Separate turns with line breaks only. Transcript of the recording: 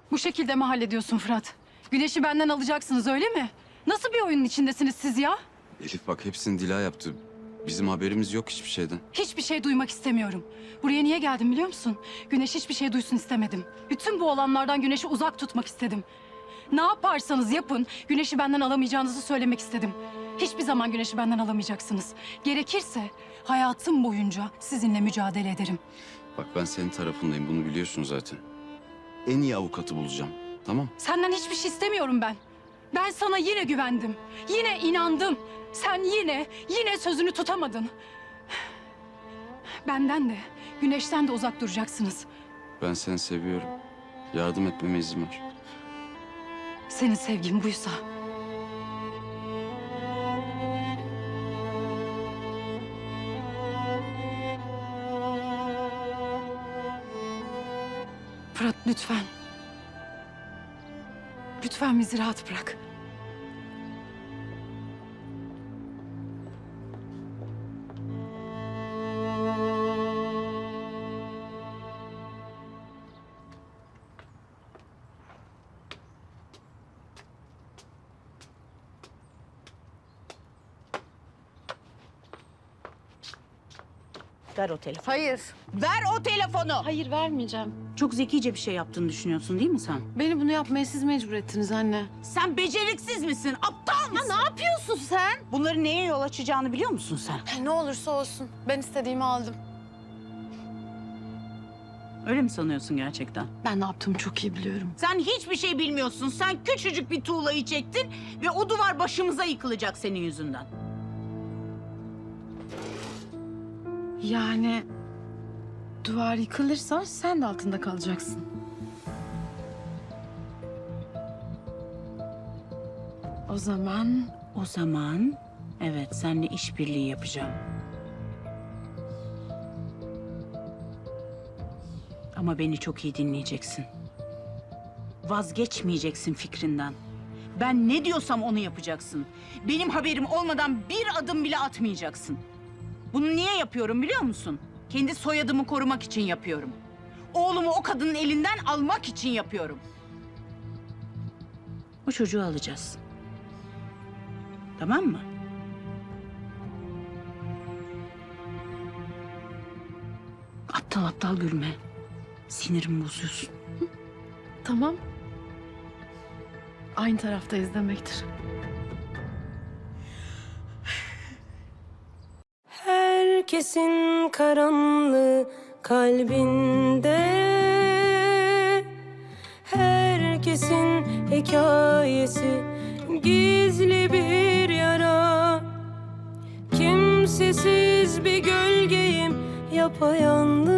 Bu şekilde mi hallediyorsun Fırat? Güneş'i benden alacaksınız öyle mi? Nasıl bir oyunun içindesiniz siz ya?
Elif bak hepsini Dila yaptı. Bizim haberimiz yok hiçbir şeyden.
Hiçbir şey duymak istemiyorum. Buraya niye geldim biliyor musun? Güneş hiçbir şey duysun istemedim. Bütün bu olanlardan Güneş'i uzak tutmak istedim. Ne yaparsanız yapın, Güneş'i benden alamayacağınızı söylemek istedim. Hiçbir zaman Güneş'i benden alamayacaksınız. Gerekirse hayatım boyunca sizinle mücadele ederim.
Bak ben senin tarafındayım, bunu biliyorsun zaten. En iyi avukatı bulacağım, tamam?
Senden hiçbir şey istemiyorum ben. Ben sana yine güvendim. Yine inandım. Sen yine sözünü tutamadın. Benden de, Güneş'ten de uzak duracaksınız.
Ben seni seviyorum. Yardım etmeme izin ver.
Senin sevgin buysa. Fırat lütfen. Lütfen bizi rahat bırak.
Ver o telefonu.
Hayır.
Ver o telefonu.
Hayır vermeyeceğim.
Çok zekice bir şey yaptığını düşünüyorsun değil mi sen?
Beni bunu yapmaya siz mecbur ettiniz anne.
Sen beceriksiz misin? Aptal mısın?
Ne yapıyorsun sen?
Bunları neye yol açacağını biliyor musun sen?
Ne olursa olsun. Ben istediğimi aldım.
Öyle mi sanıyorsun gerçekten?
Ben ne yaptığımı çok iyi biliyorum.
Sen hiçbir şey bilmiyorsun. Sen küçücük bir tuğlayı çektin ve o duvar başımıza yıkılacak senin yüzünden.
Yani duvar yıkılırsa sen de altında kalacaksın. O zaman
O zaman evet seninle işbirliği yapacağım. Ama beni çok iyi dinleyeceksin. Vazgeçmeyeceksin fikrinden. Ben ne diyorsam onu yapacaksın. Benim haberim olmadan bir adım bile atmayacaksın. Bunu niye yapıyorum biliyor musun? Kendi soyadımı korumak için yapıyorum. Oğlumu o kadının elinden almak için yapıyorum. O çocuğu alacağız. Tamam mı? Aptal aptal gülme. Sinirimi bozuyorsun.
tamam. Aynı taraftayız demektir.
Herkesin karanlığı kalbinde, herkesin hikayesi gizli bir yara. Kimsesiz bir gölgeyim, yapayalnız.